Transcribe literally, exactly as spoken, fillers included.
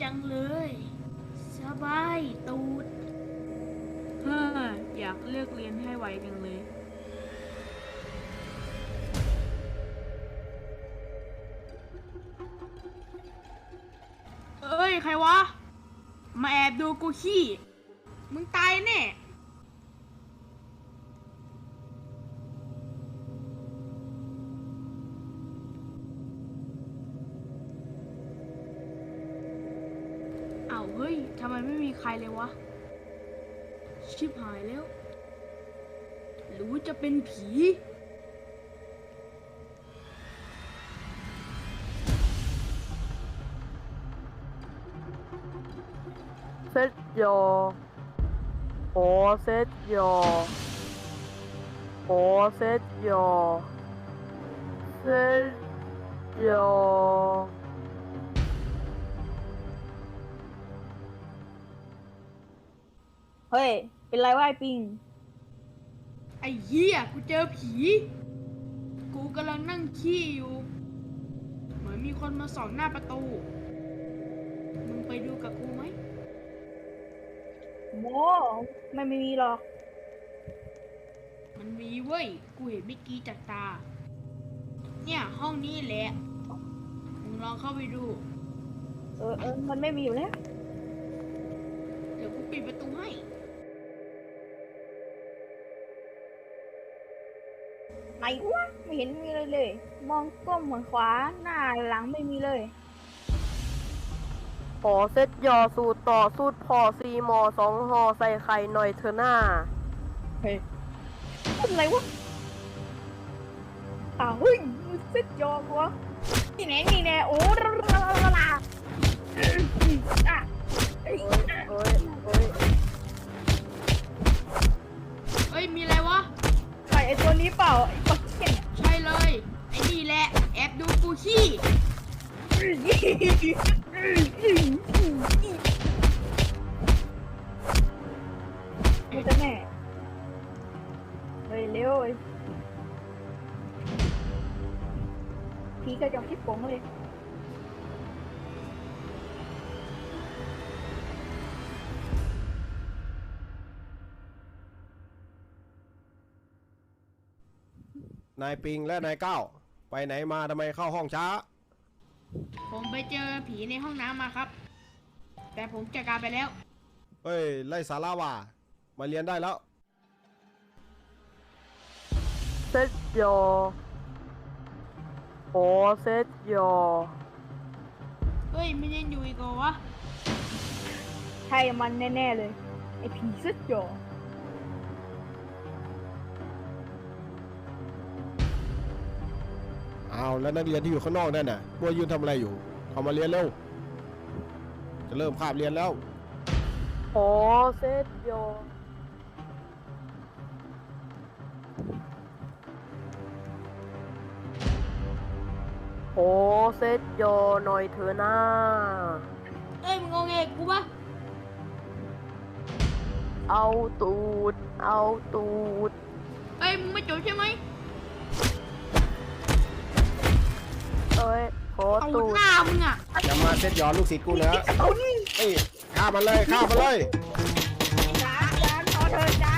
จังเลยสบายตูดเฮ้ออยากเลิกเรียนให้ไวจังเลยเอ้ยใครวะมาแอบดูกูขี้มึงตายแน่อ้าวเฮ้ยทำไมไม่มีใครเลยวะชิบหายแล้วหรือว่าจะเป็นผีเซตโยโอเซตโยโอเซตโยเซตโยเฮ้ย เป็นไรวะไอ้ปิงไอ้เหี้ยกูเจอผี กูกำลังนั่งขี้อยู่ เหมือนมีคนมาส่องหน้าประตู มึงไปดูกับกูไหมโมไม่ไม่มีหรอกมันมีเว้ย กูเห็นเมื่อกี้จากตา เนี่ยห้องนี้แหละ มึงลองเข้าไปดูเออเออมันไม่มีอยู่แล้วเดี๋ยวกูปิดประตูให้ไหนวะ ไม่เห็นมีอะไรเลย มองก้มเหมือนขวา หน้าหลังไม่มีเลยโอเซตโยสูตรต่อสูตรพอซีมอสองหอใส่ไข่หน่อยเธอหน้าเฮ้ยเป็นไรวะ อ้าวเฮ้ยมึงเซ็ตยอกวะนี่แน่นี่แน่โอ้ลาลาลาลาอ่ะเอ้ยเอ้ยเอ้ยเอ้ย มีอะไรวะใครไอ้ตัวนี้เปล่า ไอ้ปักเก็ตใช่เลย ไอ้นี่แหละ แอบดูกูขี้มันจะแน่เฮ้ยเร็วเว้ยผีกระจอกที่โป๋งเลยนายปิงและนายก้าวไปไหนมาทำไมเข้าห้องช้าผมไปเจอผีในห้องน้ำมาครับ แต่ผมจัดการไปแล้วเฮ้ย ไล่สาราว่ามาเรียนได้แล้วเซตโยโอเซตโยเฮ้ยมันยังอยู่อีกเหรอวะใช่มันแน่ๆเลย ไอ้ผีเสื้อจออ้าวแล้วนักเรียนที่อยู่ข้างนอกนั่นน่ะมัวยืนทำอะไรอยู่เข้ามาเรียนเร็ว จะเริ่มคาบเรียนแล้วโอเซตโยโอเซตโยหน่อยเธอหน้าเอ้ยมึงงงเงกูปะเอาตูด เอาตูดเอ้ยมึงไม่จบใช่ไหมเอ้ยขอเอาตูดหน้ามึงอ่ะจะมาเซตย้อนลูกศิษย์กูเหรอเอานี่เอ้ยฆ่ามันเลยฆ่ามันเลยจ้าจ้าขอเธอจ้า